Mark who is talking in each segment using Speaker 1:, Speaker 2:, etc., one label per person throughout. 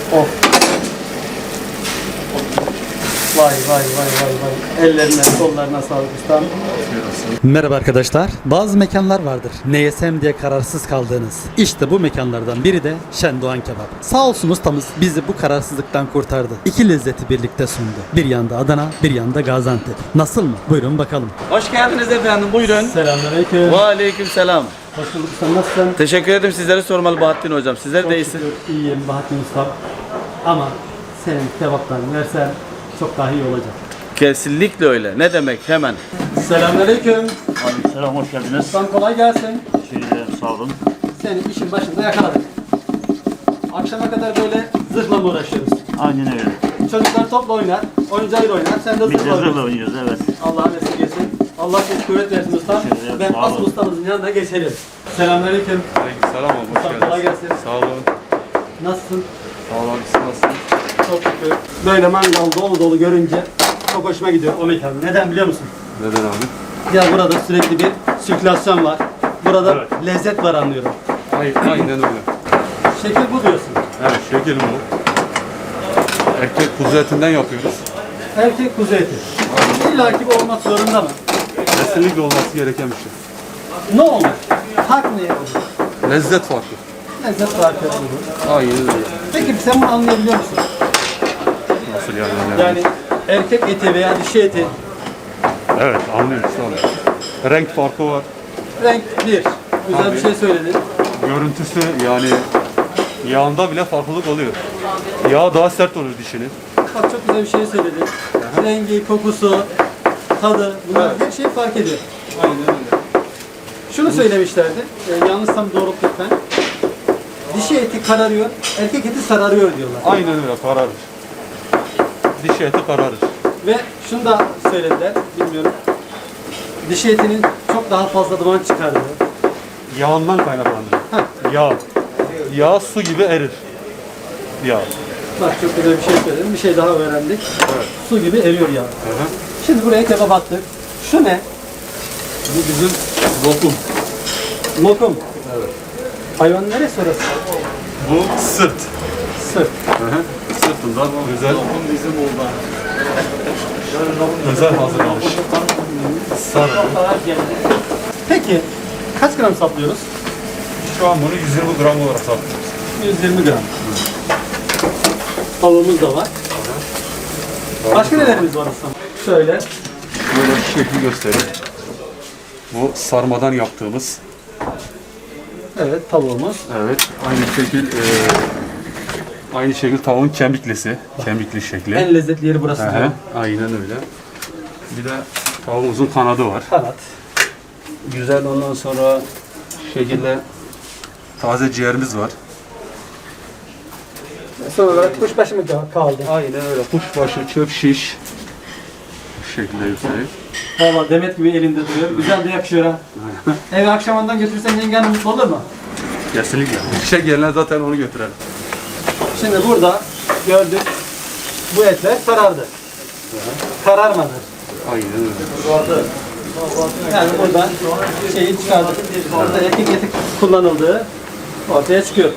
Speaker 1: Of. Vay vay vay vay vay. Ellerine, kollarına sağlık ustam. Merhaba arkadaşlar. Bazı mekanlar vardır. Ne yesem diye kararsız kaldığınız. İşte bu mekanlardan biri de Şendoğan Kebap. Sağ olsun ustamız bizi bu kararsızlıktan kurtardı. İki lezzeti birlikte sundu. Bir yanda Adana, bir yanda Gaziantep. Nasıl mı? Buyurun bakalım.
Speaker 2: Hoş geldiniz efendim, buyurun.
Speaker 1: Selamünaleyküm.
Speaker 2: Ve aleyküm selam.
Speaker 1: Hoş bulduk ustam. Nasılsın?
Speaker 2: Teşekkür ederim, sizleri sormalı Bahattin hocam. Sizler
Speaker 1: Çok
Speaker 2: de iyisiniz.
Speaker 1: şükür iyiyim Bahattin ustam. Ama senin kebaptan versen çok daha iyi olacak.
Speaker 2: Kesinlikle öyle. Ne demek hemen.
Speaker 1: Selamünaleyküm.
Speaker 3: Selam, hoş geldiniz.
Speaker 1: Ustam kolay gelsin.
Speaker 3: Sağ olun.
Speaker 1: Seni işin başında yakaladık. Akşama kadar böyle zırhla mı uğraşıyoruz?
Speaker 3: Aynen öyle.
Speaker 1: Çocuklar topla oynar, oyuncağıyla oynar, sen de
Speaker 3: Biz de
Speaker 1: zırhla
Speaker 3: zırhla
Speaker 1: oynarsın.
Speaker 3: oynuyoruz, evet.
Speaker 1: Allah'ın esirgesin. Allah size kuvvet versin ustam.
Speaker 3: Teşekkür ederim,
Speaker 1: Ben
Speaker 3: sağ
Speaker 1: asıl
Speaker 3: olun.
Speaker 1: ustamızın yanına geçelim. Selamünaleyküm.
Speaker 4: Selam abi, hoş
Speaker 1: Ustam kolay
Speaker 4: geldiniz.
Speaker 1: gelsin.
Speaker 4: Sağ olun.
Speaker 1: Nasılsın?
Speaker 4: Sağ olun abi, siz nasılsınız?
Speaker 1: Çok şükür. Böyle mangal dolu dolu görünce çok hoşuma gidiyor o mekan. Neden biliyor musun?
Speaker 4: Neden abi?
Speaker 1: Ya burada sürekli bir sirkülasyon var. Burada
Speaker 3: Evet.
Speaker 1: lezzet var anlıyorum.
Speaker 4: Aynen öyle.
Speaker 1: Şekil bu diyorsun.
Speaker 4: Evet, şekil bu. Erkek kuzu etinden yapıyoruz.
Speaker 1: Erkek kuzu eti. İlla ki bu olmak zorunda mı?
Speaker 4: Kesinlikle olması gereken bir şey.
Speaker 1: Ne olur? Fark ne olur?
Speaker 4: Lezzet farkı.
Speaker 1: Lezzet farkı olur.
Speaker 4: Aynen öyle.
Speaker 1: Peki sen bunu anlayabiliyor musun?
Speaker 4: Nasıl yani?
Speaker 1: Yani erkek eti veya dişi eti
Speaker 4: Evet, anlıyoruz abi. Renk farkı var.
Speaker 1: renk bir. Güzel
Speaker 4: Tabii.
Speaker 1: bir şey söyledin.
Speaker 4: Görüntüsü yani yağında bile farklılık oluyor. Yağ daha sert olur dişinin.
Speaker 1: Bak çok güzel bir şey söyledin. Rengi, kokusu, tadı bunlar her şey fark ediyor.
Speaker 4: Aynen öyle.
Speaker 1: Şunu söylemişlerdi. Yanlışsam doğrult lütfen. Dişi eti kararıyor, erkek eti sararıyor diyorlar.
Speaker 4: Aynen öyle, kararır. Diş eti kararır.
Speaker 1: Ve şunu da söylediler, bilmiyorum. Dişi etinin çok daha fazla duman çıkardığı.
Speaker 4: Yağından kaynaklanır. Yağ. Yağ su gibi erir. Yağ.
Speaker 1: Bak çok güzel bir şey söyledin. Bir şey daha öğrendik.
Speaker 4: Evet.
Speaker 1: Su gibi eriyor yağ.
Speaker 4: Hı hı.
Speaker 1: Şimdi buraya kebap attık. Şu ne?
Speaker 4: Bu bizim lokum.
Speaker 1: Lokum.
Speaker 4: Evet.
Speaker 1: Hayvan neresi orası?
Speaker 4: Bu sırt.
Speaker 1: Sırt.
Speaker 4: Hı hı. Sırtından özel. Özel hazırlanmış. Sarı.
Speaker 1: Peki kaç gram saplıyoruz?
Speaker 4: Şu an bunu 120 gram olarak satıyoruz.
Speaker 1: 120 gram. Tavuğumuz da var. Başka nelerimiz var aslında? Şöyle.
Speaker 4: Böyle bir şekli göstereyim. Bu sarmadan yaptığımız.
Speaker 1: Evet tavuğumuz.
Speaker 4: Evet. Aynı şekil tavuğun kemiklisi. Kemikli şekli.
Speaker 1: En lezzetli yeri burası.
Speaker 4: Hı
Speaker 1: diyor.
Speaker 4: hı. Aynen öyle. Bir de tavuğumuzun kanadı var.
Speaker 1: Kanat.
Speaker 4: Güzel, ondan sonra şekilde taze ciğerimiz var.
Speaker 1: Son olarak kuşbaşı mı kaldı?
Speaker 4: Aynen öyle. Kuşbaşı, çöp şiş. Bu şekilde göstereyim.
Speaker 1: Valla Demet gibi elinde duruyor. Güzel de yakışıyor ha. Eve akşamından götürürsen yengen mutlu olur mu?
Speaker 4: Kesinlikle. İşe gelen zaten onu götürelim.
Speaker 1: Şimdi burada gördük. Bu etler sarardı. Kararmadı.
Speaker 4: Aynen öyle.
Speaker 1: Yani buradan şeyi çıkardık. Orada erkek eti kullanıldığı ortaya çıkıyor.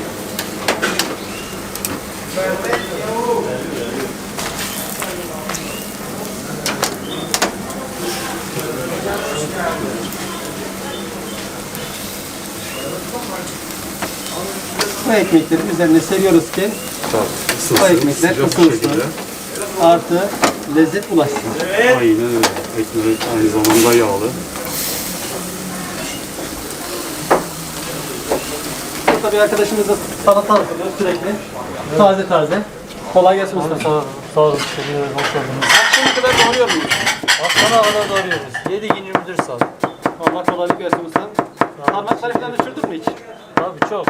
Speaker 1: Bu ekmekleri üzerine seriyoruz ki bu ekmekler ısınsın. Artı lezzet ulaşsın.
Speaker 4: Aynen öyle. Ekmek aynı zamanda yağlı.
Speaker 1: Burada bir arkadaşımız da salata hazırlıyor sürekli. Taze taze. Kolay gelsin usta.
Speaker 3: Sağ olun, teşekkür ederim, hoş geldiniz.
Speaker 1: Akşama kadar doğruyor muyuz?
Speaker 3: Akşama kadar doğruyoruz. 7 gün 24 saat.
Speaker 1: Allah kolaylık versin ustam. Parmakları falan uçurduk mu hiç?
Speaker 3: Tabii çok.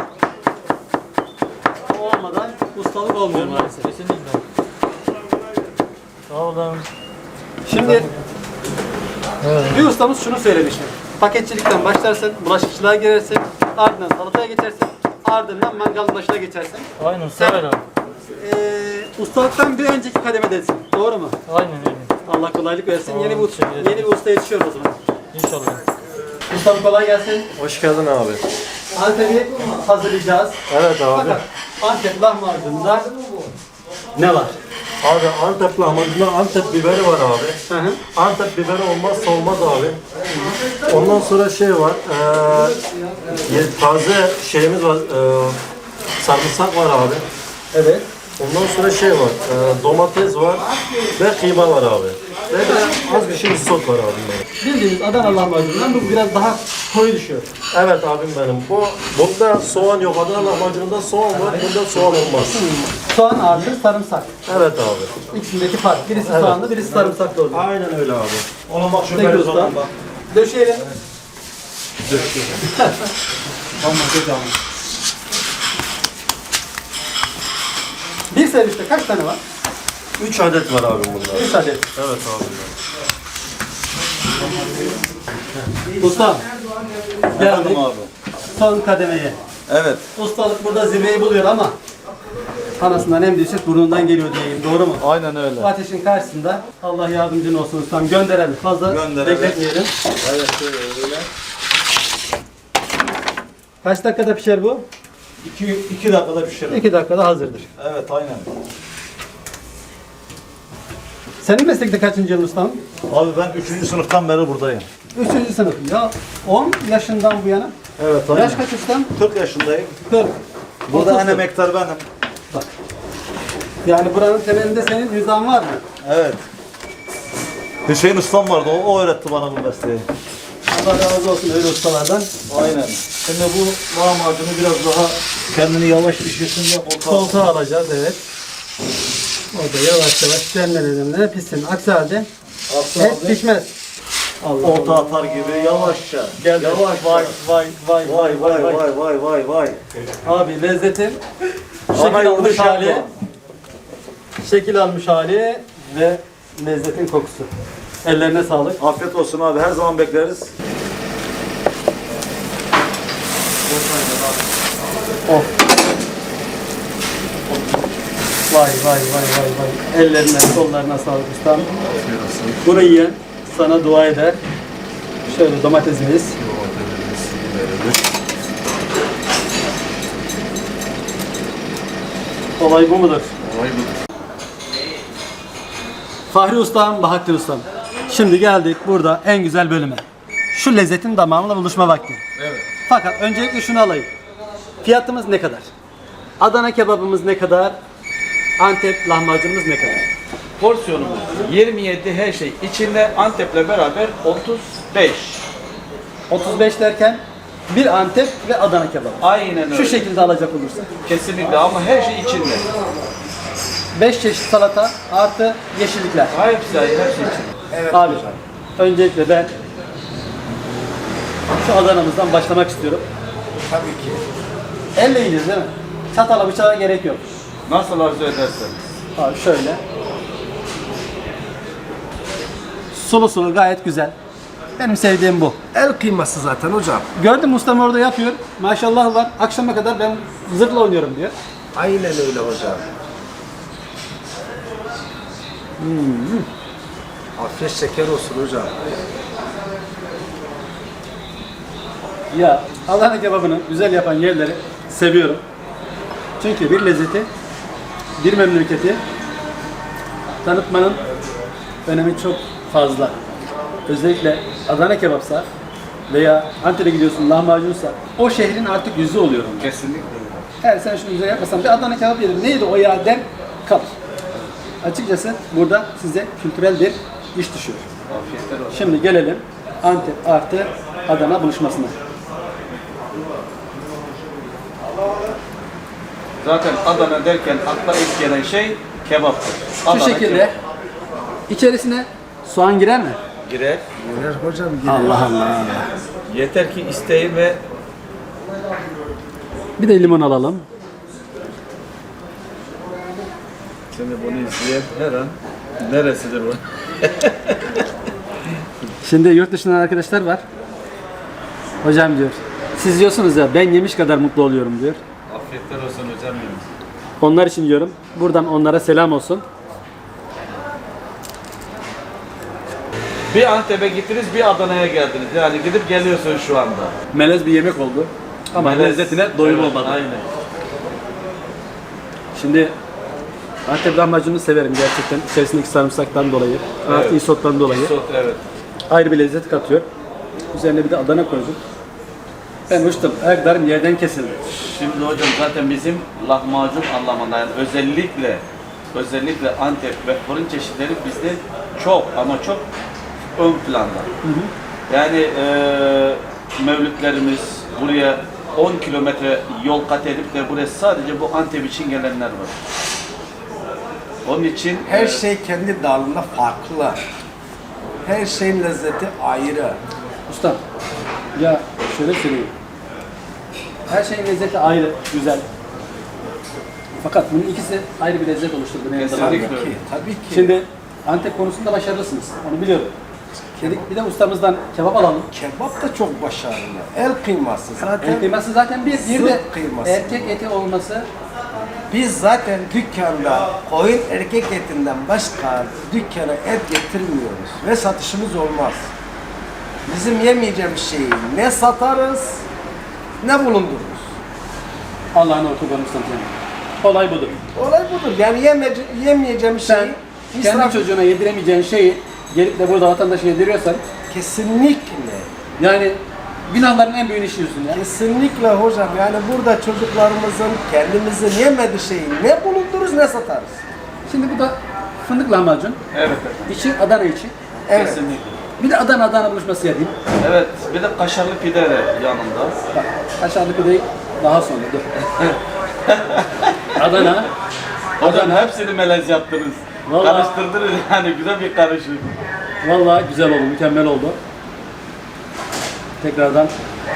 Speaker 1: O olmadan ustalık olmuyor maalesef.
Speaker 3: Kesinlikle. Sağ olun.
Speaker 1: Şimdi bir ustamız şunu söylemişti. Paketçilikten başlarsın, bulaşıkçılığa girersin, ardından salataya geçersin, ardından mangalın başına geçersin.
Speaker 3: Aynen, sever abi.
Speaker 1: Ustalıktan bir önceki kademedesin. Doğru mu?
Speaker 3: Aynen öyle.
Speaker 1: Allah kolaylık versin.
Speaker 3: Sağ olun,
Speaker 1: Yeni bir,
Speaker 3: teşekkür ederim.
Speaker 1: yeni bir usta yetişiyor o zaman.
Speaker 3: İnşallah.
Speaker 1: Ustam kolay gelsin.
Speaker 5: Hoş geldin abi.
Speaker 1: Antep'i hazırlayacağız.
Speaker 5: Evet abi.
Speaker 1: Fakat Antep lahmacununda ne var?
Speaker 5: Abi Antep lahmacununda Antep biberi var abi.
Speaker 1: Hı hı.
Speaker 5: Antep biberi olmazsa olmaz abi. Ondan sonra şey var. Taze şeyimiz var. Sarımsak var abi.
Speaker 1: Evet.
Speaker 5: Ondan sonra şey var. Domates var ve kıyma var abi. Ve de az bir şey sos var abim benim.
Speaker 1: Bildiğiniz Adana lahmacunundan bu biraz daha koyu düşüyor.
Speaker 5: Evet abim benim. Bunda soğan yok. Adana lahmacununda soğan var. Bunda soğan olmaz.
Speaker 1: Soğan artı sarımsak.
Speaker 5: Evet abi.
Speaker 1: İkisindeki fark. Birisi soğanlı, birisi sarımsaklı oluyor.
Speaker 5: Aynen öyle abi. Ona bak şu
Speaker 1: Peki usta. Döşeyelim. Bir serviste kaç tane var?
Speaker 5: 3 adet var abim bunda.
Speaker 1: 3 adet.
Speaker 5: Evet abi.
Speaker 1: Usta. Geldik
Speaker 2: Efendim abi.
Speaker 1: son kademeye.
Speaker 2: Evet.
Speaker 1: Ustalık burada zirveyi buluyor ama anasından hem düşük burnundan geliyor diyeyim. Doğru mu?
Speaker 2: Aynen öyle.
Speaker 1: Bu ateşin karşısında Allah yardımcın olsun ustam. Gönderelim. Fazla
Speaker 2: Gönderelim.
Speaker 1: bekletmeyelim.
Speaker 2: Evet öyle.
Speaker 1: Kaç dakikada pişer bu?
Speaker 5: 2 dakikada pişirir.
Speaker 1: 2 dakikada hazırdır.
Speaker 5: Evet aynen.
Speaker 1: Senin meslekte kaçıncı yıl ustam?
Speaker 5: Abi ben 3. sınıftan beri buradayım.
Speaker 1: 3. sınıf. Ya 10 yaşından bu yana.
Speaker 5: Evet aynen.
Speaker 1: Yaş kaç ustam?
Speaker 5: 40 yaşındayım.
Speaker 1: 40.
Speaker 5: Burada
Speaker 1: 30'sun.
Speaker 5: en emektar benim.
Speaker 1: Yani buranın temelinde senin nizam var mı?
Speaker 5: Evet. Hüseyin ustam vardı. O öğretti bana bu mesleği.
Speaker 1: Allah razı olsun öyle ustalardan.
Speaker 5: Aynen. Şimdi bu lahmacunu biraz daha kendini yavaş pişirsin de
Speaker 1: Koltuğa alacağız evet. O da yavaş yavaş demlenene pişsin. Aksi halde et pişmez. Allah
Speaker 5: orta atar gibi yavaşça.
Speaker 1: Geldi.
Speaker 5: Yavaş
Speaker 1: Vay vay vay
Speaker 5: Vay vay vay vay vay vay.
Speaker 1: Abi lezzetin
Speaker 5: Ana
Speaker 1: şekil almış
Speaker 5: yanlış
Speaker 1: hali,
Speaker 5: yapma.
Speaker 1: şekil almış hali ve lezzetin kokusu. Ellerine sağlık.
Speaker 5: Afiyet olsun abi. Her zaman bekleriz.
Speaker 1: Of. Vay vay vay vay vay. Ellerine, kollarına sağlık ustam. Bunu yiyen sana dua eder. Şöyle domatesimiz. Olay bu mudur? Fahri Ustam, Bahattin Ustam. Şimdi geldik burada en güzel bölüme. Şu lezzetin damağımla buluşma vakti.
Speaker 2: Evet.
Speaker 1: Fakat öncelikle şunu alayım. Fiyatımız ne kadar? Adana kebabımız ne kadar? Antep lahmacunumuz ne kadar?
Speaker 2: Porsiyonumuz 27 her şey. İçinde Antep'le beraber 35.
Speaker 1: 35 derken bir Antep ve Adana kebabı.
Speaker 2: Aynen öyle.
Speaker 1: Şu şekilde alacak olursak.
Speaker 2: Kesinlikle ama her şey içinde.
Speaker 1: 5 çeşit salata artı yeşillikler.
Speaker 2: Hepsi her şey içinde.
Speaker 1: Abi öncelikle ben şu Adana'mızdan başlamak istiyorum.
Speaker 5: Tabii ki.
Speaker 1: Elle yiyeceğiz değil mi? Çatala bıçağa gerek yok.
Speaker 2: Nasıl arzu ederseniz.
Speaker 1: Abi şöyle. Sulu sulu gayet güzel. Benim sevdiğim bu.
Speaker 6: El kıyması zaten hocam.
Speaker 1: Gördüm ustam orada yapıyor. Maşallah var. Akşama kadar ben zırhla oynuyorum diyor.
Speaker 6: Aynen öyle hocam. Afiyet şeker olsun hocam.
Speaker 1: Ya Adana kebabını güzel yapan yerleri seviyorum. Çünkü bir lezzeti, bir memleketi tanıtmanın önemi çok fazla. Özellikle Adana kebapsa veya Antep'e gidiyorsun lahmacunsa o şehrin artık yüzü oluyor.
Speaker 2: Kesinlikle.
Speaker 1: Eğer sen şunu güzel yapmasan bir Adana kebap yedim neydi o ya der kalır. Açıkçası burada size kültürel bir iş düşüyor.
Speaker 2: Afiyetler olsun.
Speaker 1: Şimdi gelelim Antep artı Adana buluşmasına.
Speaker 2: Zaten Adana derken akla ilk gelen şey kebaptır.
Speaker 1: Şu
Speaker 2: Adana
Speaker 1: şekilde
Speaker 2: kebap.
Speaker 1: içerisine soğan girer mi?
Speaker 2: Girer.
Speaker 6: Girer hocam girer.
Speaker 1: Allah Allah.
Speaker 2: Yeter ki isteyin ve
Speaker 1: Bir de limon alalım.
Speaker 2: şimdi bunu izleyen her an neresidir bu?
Speaker 1: Şimdi yurt dışından arkadaşlar var. Hocam diyor. Siz diyorsunuz ya ben yemiş kadar mutlu oluyorum diyor.
Speaker 2: Afiyetler olsun hocam benim.
Speaker 1: Onlar için diyorum. Buradan onlara selam olsun.
Speaker 2: Bir Antep'e gittiniz, bir Adana'ya geldiniz. Yani gidip geliyorsun şu anda.
Speaker 1: Melez bir yemek oldu. Ama lezzetine doyum olmadı.
Speaker 2: Aynen.
Speaker 1: Şimdi Antep lahmacununu severim gerçekten. İçerisindeki sarımsaktan dolayı, artı isottan dolayı.
Speaker 2: Isot, evet.
Speaker 1: Ayrı bir lezzet katıyor. Üzerine bir de Adana koydum. Ben uçtum. Ayaklarım yerden kesildi.
Speaker 2: Şimdi hocam zaten bizim lahmacun anlamında yani özellikle Antep ve fırın çeşitleri bizde çok ama çok ön planda. Yani mevlütlerimiz buraya 10 kilometre yol kat edip de buraya sadece bu Antep için gelenler var. Onun için
Speaker 6: Her şey kendi dalında farklı. Her şeyin lezzeti ayrı.
Speaker 1: Usta, ya şöyle söyleyeyim. Her şeyin lezzeti ayrı, güzel. Fakat bunun ikisi ayrı bir lezzet oluşturdu. benim
Speaker 2: Kesinlikle.
Speaker 1: damağımda.
Speaker 6: Tabii ki, tabii ki.
Speaker 1: Şimdi Antep konusunda başarılısınız. Onu biliyorum. Dedik bir de ustamızdan kebap alalım.
Speaker 6: Kebap da çok başarılı. El kıyması zaten.
Speaker 1: El kıyması zaten bir de
Speaker 6: Sırt kıyması.
Speaker 1: erkek eti olması.
Speaker 6: Biz zaten dükkanda koyun erkek etinden başka dükkana et getirmiyoruz ve satışımız olmaz. Bizim yemeyeceğimiz şeyi ne satarız ne bulundururuz.
Speaker 1: Allah'ın ortadan ustantı. Olay budur.
Speaker 6: Olay budur. Yani yemeyeceğimiz
Speaker 1: Sen
Speaker 6: şeyi
Speaker 1: kendi
Speaker 6: israf
Speaker 1: çocuğuna yediremeyeceğin şeyi gelip de burada vatandaşa yediriyorsan
Speaker 6: kesinlikle.
Speaker 1: yani günahların en büyüğünü işliyorsun ya.
Speaker 6: Kesinlikle hocam. Yani burada çocuklarımızın kendimizin yemediği şeyi ne bulundururuz ne satarız.
Speaker 1: Şimdi bu da fındık lahmacun.
Speaker 2: evet,
Speaker 1: İçi Adana içi.
Speaker 6: Evet.
Speaker 2: kesinlikle.
Speaker 1: Bir de Adana buluşması yapayım.
Speaker 2: Evet, bir de kaşarlı pide de yanında.
Speaker 1: Bak aşağıdaki pideyi daha sonra dur. Adana.
Speaker 2: Hocam hepsini melez yaptınız.
Speaker 1: Vallahi-
Speaker 2: Karıştırdınız yani güzel bir karışım.
Speaker 1: Vallahi güzel oldu, mükemmel oldu. Tekrardan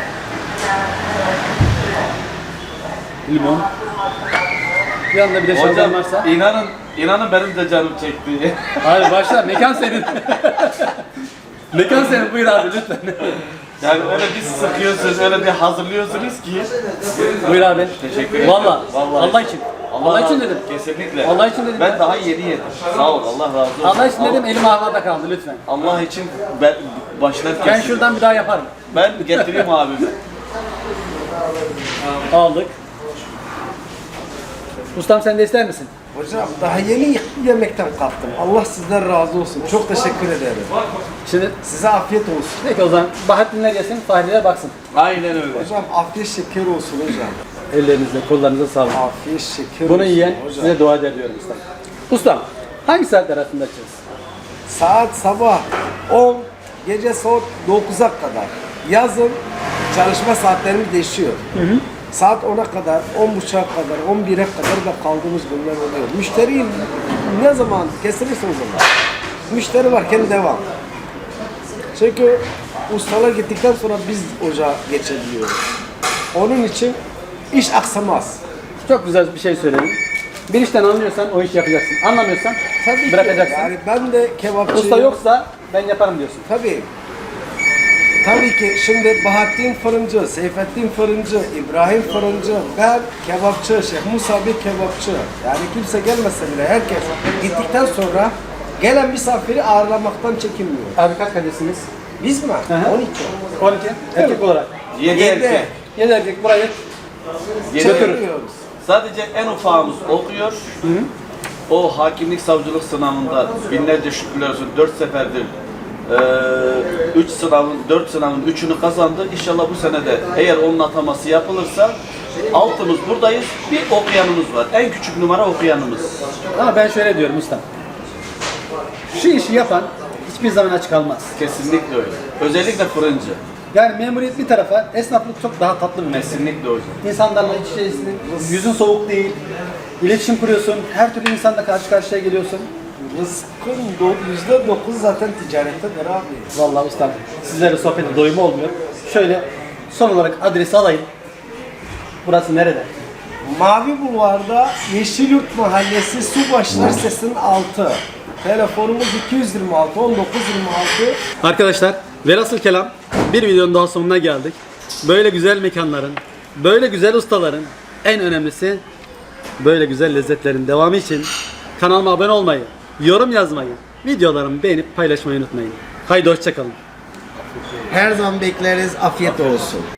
Speaker 1: limon. Bir anda bir de şalgam
Speaker 2: Hocam
Speaker 1: varsa.
Speaker 2: inanın benim de canım çekti.
Speaker 1: Hayır başla, mekan senin. Mekan senin, buyur abi lütfen.
Speaker 2: Yani öyle bir sıkıyorsunuz, öyle bir hazırlıyorsunuz ki.
Speaker 1: Buyur abi.
Speaker 2: Teşekkür ederim.
Speaker 1: Vallahi,
Speaker 2: Vallahi.
Speaker 1: Allah için. Allah için dedim.
Speaker 2: Kesinlikle.
Speaker 1: Allah için dedim.
Speaker 2: Ben daha yeni yedim. Sağ ol, Allah razı olsun.
Speaker 1: Allah için dedim, elim havada kaldı lütfen.
Speaker 2: Allah için ben başlarken
Speaker 1: Ben şuradan bir daha yaparım.
Speaker 2: ben getireyim abimi.
Speaker 1: Aldık. Ustam sen de ister misin?
Speaker 6: Hocam daha yeni yemekten kalktım. Allah sizden razı olsun. Çok teşekkür ederim.
Speaker 1: Şimdi
Speaker 6: Size afiyet olsun.
Speaker 1: peki o zaman Bahattinler yesin, Fahriler baksın.
Speaker 2: Aynen öyle.
Speaker 6: Hocam afiyet şeker olsun hocam.
Speaker 1: Ellerinize, kollarınıza sağlık.
Speaker 6: Afiyet şeker
Speaker 1: Bunu
Speaker 6: olsun
Speaker 1: yiyen
Speaker 6: hocam.
Speaker 1: size dua eder diyorum ustam. Ustam, hangi saatler arasında açıyoruz?
Speaker 6: Saat sabah 10, gece saat 9'a kadar. Yazın çalışma saatlerimiz değişiyor. Saat 10'a kadar, 10.30'a kadar, 11'e kadar da kaldığımız günler oluyor. Müşteri ne zaman kesilirse o zaman. Müşteri varken devam. Çünkü ustalar gittikten sonra biz ocağa geçebiliyoruz. Onun için iş aksamaz.
Speaker 1: Çok güzel bir şey söyledin. Bir işten anlıyorsan o işi yapacaksın. Anlamıyorsan
Speaker 6: Tabii ki.
Speaker 1: bırakacaksın.
Speaker 6: Yani ben de kebapçıyım.
Speaker 1: Usta yoksa ben yaparım diyorsun.
Speaker 6: Tabii. Tabii ki şimdi Bahattin Fırıncı, Seyfettin Fırıncı, İbrahim Fırıncı, ben kebapçı, Şeyh Musa bir kebapçı. Yani kimse gelmese bile herkes gittikten sonra gelen misafiri ağırlamaktan çekinmiyor.
Speaker 1: Abi kaç kardeşsiniz?
Speaker 6: Biz mi?
Speaker 1: hı.
Speaker 6: 12.
Speaker 1: 12. Erkek olarak.
Speaker 2: 7
Speaker 6: Yedi.
Speaker 2: erkek.
Speaker 1: 7 erkek burayı
Speaker 6: Çeviriyoruz.
Speaker 2: Sadece en ufağımız okuyor. O hakimlik savcılık sınavında binlerce şükürler olsun 4 seferdir 4 sınavın 3'ünü kazandı. İnşallah bu sene de eğer onun ataması yapılırsa altımız buradayız. Bir okuyanımız var. En küçük numara okuyanımız.
Speaker 1: Ama ben şöyle diyorum ustam. Şu işi yapan hiçbir zaman aç kalmaz.
Speaker 2: Kesinlikle öyle. Özellikle fırıncı.
Speaker 1: Yani memuriyet bir tarafa, esnaflık çok daha tatlı bir meslek.
Speaker 2: Kesinlikle hocam.
Speaker 1: İnsanlarla iç içesin, yüzün soğuk değil, iletişim kuruyorsun, her türlü insanla karşı karşıya geliyorsun.
Speaker 6: Rızkın %9 zaten ticarettedir abi.
Speaker 1: Vallahi ustam, sizlere sohbete doyumu olmuyor. Şöyle son olarak adresi alayım. Burası nerede?
Speaker 6: Mavi Bulvar'da Yeşilyurt Mahallesi Subaşlar Sesi'nin altı. Telefonumuz 226 1926.
Speaker 1: Arkadaşlar, velhasıl kelam bir videonun daha sonuna geldik. Böyle güzel mekanların, böyle güzel ustaların, en önemlisi böyle güzel lezzetlerin devamı için kanalıma abone olmayı, yorum yazmayı, videolarımı beğenip paylaşmayı unutmayın. Haydi hoşça kalın.
Speaker 6: Her zaman bekleriz. Afiyet olsun.